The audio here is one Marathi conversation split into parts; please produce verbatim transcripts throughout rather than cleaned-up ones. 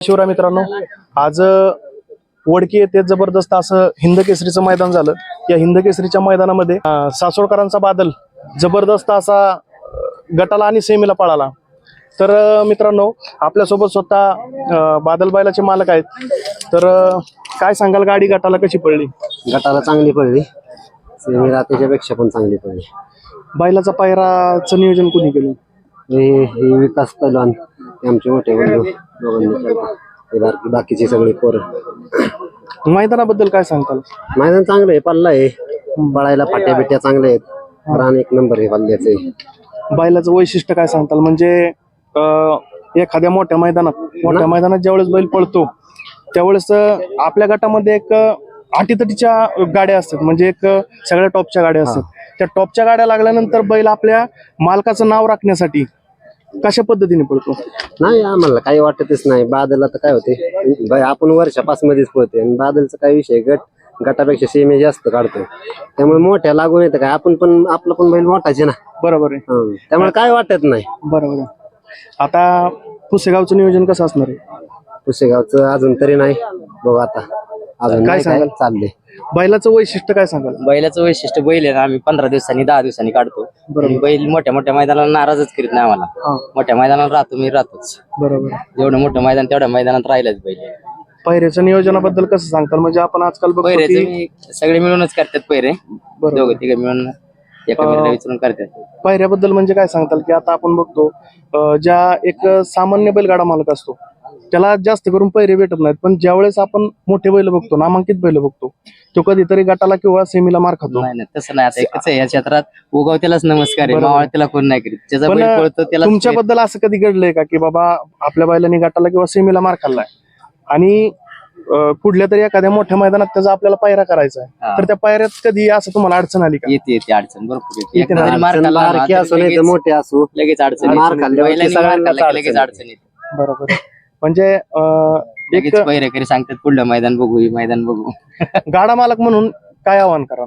शिवराय मित्रांनो, आज वडकी येथे जबरदस्त असं हिंद केसरीचं मैदान झालं. या हिंद केसरीच्या मैदानामध्ये अं, सासवडकरांचा बादल जबरदस्त असा अं, गटाला आणि सेमीला पळाला. तर अं, मित्रांनो, आपल्यासोबत स्वतः अं, बादल बैलाचे मालक आहेत. तर अं, काय सांगाल, गाडी गटाला कशी पडली? गटाला चांगली पडली, सेमीला त्याच्यापेक्षा पण चांगली पडली. बैलाचा पायराचं नियोजन कोणी केलं? हे हे विकास पैलवान हे आमचे मोठे बंधू दोघांनी केलं. हे बाकी बाकीचे सगळे पोरं. मैदानाबद्दल काय सांगताल? मैदान चांगलं आहे, पल्ला आहे, पळायला फाट्या बिट्या चांगल्या आहेत, रान एक नंबर आहे पल्ल्याचे. बैलाचं वैशिष्ट्य काय सांगताल? म्हणजे अं, एखाद्या मोठ्या मैदानात मोठ्या मैदानात ज्यावेळेस बैल पळतो त्यावेळेस अं, आपल्या गटामध्ये एक अं, अटीतटीच्या गाड्या असतात, म्हणजे एक अं, सगळ्या टॉपच्या गाड्या असतात. त्या टॉपच्या गाड्या लागल्यानंतर बैल आपल्या मालकाचं नाव राखण्यासाठी कशा पद्धतीने पळतो? नाही, आम्हाला काही वाटतच नाही. बादल आता काय होते, बाय आपण वर्षापास मध्येच पळतोय आणि बादलचा काय विषय, गट गटापेक्षा सेमी जास्त काढतो, त्यामुळे मोठ्या लागून येतं. काय आपण पण आपलं पण बैल मोठाचे ना. बरोबर आहे. हं, त्यामुळे काय वाटत नाही. बरोबर आहे. आता पुसेगावचं नियोजन कसं असणार आहे? पुसेगावचं अजून तरी नाही, बघू आता अजून काय काय सांगाल? चाललंय. बैलाचं वैशिष्ट्य काय सांगाल? बैलाचं वैशिष्ट्य बैल आहे ना, आम्ही पंधरा दिवसांनी दहा दिवसांनी काढतो. आणि बैल मोठ्या मोठ्या मैदानाला नाराजच करीत नाही आम्हाला. हा, मोठ्या मैदानाला राहतो मी राहतोच. बरोबर आहे. जेवढं मोठं मैदान तेवढ्या मैदानात राहिलंच बैल. पायऱ्याच्या नियोजनाबद्दल कसं सांगताल? म्हणजे आपण आजकाल बघतो पैरेच की मी सगळे मिळूनच करतात पैरे, बरोबर. दोघं तिघे मिळून एका मित्राला विचारून करतात. पायऱ्याबद्दल म्हणजे काय सांगताल? की आता आपण बघतो अं, ज्या एक सामान्य बैलगाडा मालक असतो त्याला जास्त करून पैरे भेटत नाहीत, पण ज्यावेळेस आपण मोठे बैल बघतो, नामांकित बैल बघतो, तो कधीतरी गटाला किंवा सेमीला मार खातो. नाही नाही, तसं नाही. आता एकच आहे या क्षेत्रात, उगवत्यालाच नमस्कार आहे, बरोबर. मावळत्याला कोण नाही करीत. ज्याचा पण बैल पळतो त्याला तुमच्याबद्दल असं कधी घडलंय का की बाबा आपल्या बैलांनी गटाला किंवा सेमीला मार खाल्लाय आणि अं, कुठल्या तरी एखाद्या मोठ्या मैदानात त्याचा आपल्याला पायरा करायचा आहे, हा. तर त्या पायऱ्यात कधी असं तुम्हाला अडचण आली का? येते येते अडचण भरपूर येते. येते ना, एकदा जरी मार अडचण खाल्ला ना, बारकी असो तरी नाही तर लगेच- मोठे असो, लगेच अडचण येते. मार खाल्ल्यावरती बैलांनी मार सगळ्यांनाच खाल्ला की लगेच अडचण अडचण येते. बरोबर आहे. म्हणजे अं, एक लगेच पैरेकरी सांगतात पुढलं मैदान बघू, हे मैदान बघू. गाडा मालक म्हणून काय आव्हान करा?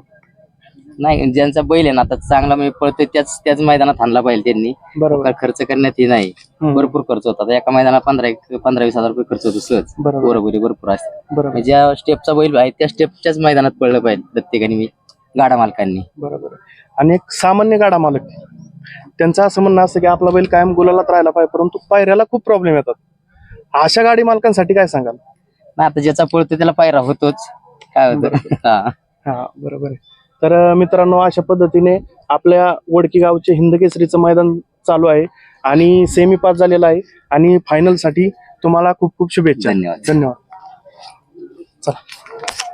नाही, ज्यांचा बैल आहे ना आता चांगला मी पळतोय त्याच त्याच मैदानात आणला पाहिजे त्यांनी. बरोबर. खर्च करण्यात हे नाही, हम्म. भरपूर खर्च होतात. एका मैदानात पंधरा एक पंधरा वीस हजार रुपये खर्च होतो सहज. बरोबर. बरोबर भरपूर असते. बरोबर ज्या स्टेपचा बैल आहे त्या स्टेपच्याच मैदानात पळलं पाहिजे प्रत्येकाने, मी गाडा मालकांनी. बरोबर आहे. आणि एक सामान्य गाडा मालक त्यांचं असं म्हणणं असतं की आपला बैल कायम गुलालात राहिला पाहिजे, परंतु पायऱ्याला खूप प्रॉब्लेम येतात. अशा गाडी मालकांसाठी काय सांगाल? नाही, आता ज्याचा पळतो त्याला पायरा होतोच. काय होतं हा. हा, बरोबर आहे. तर अं, मित्रांनो, अशा पद्धतीने आपल्या वडकी गावचे हिंद केसरीचं मैदान चालू आहे आणि सेमी पास झालेला आहे आणि फायनल साठी तुम्हाला खूप खूप शुभेच्छा. धन्यवाद. धन्यवाद. चला.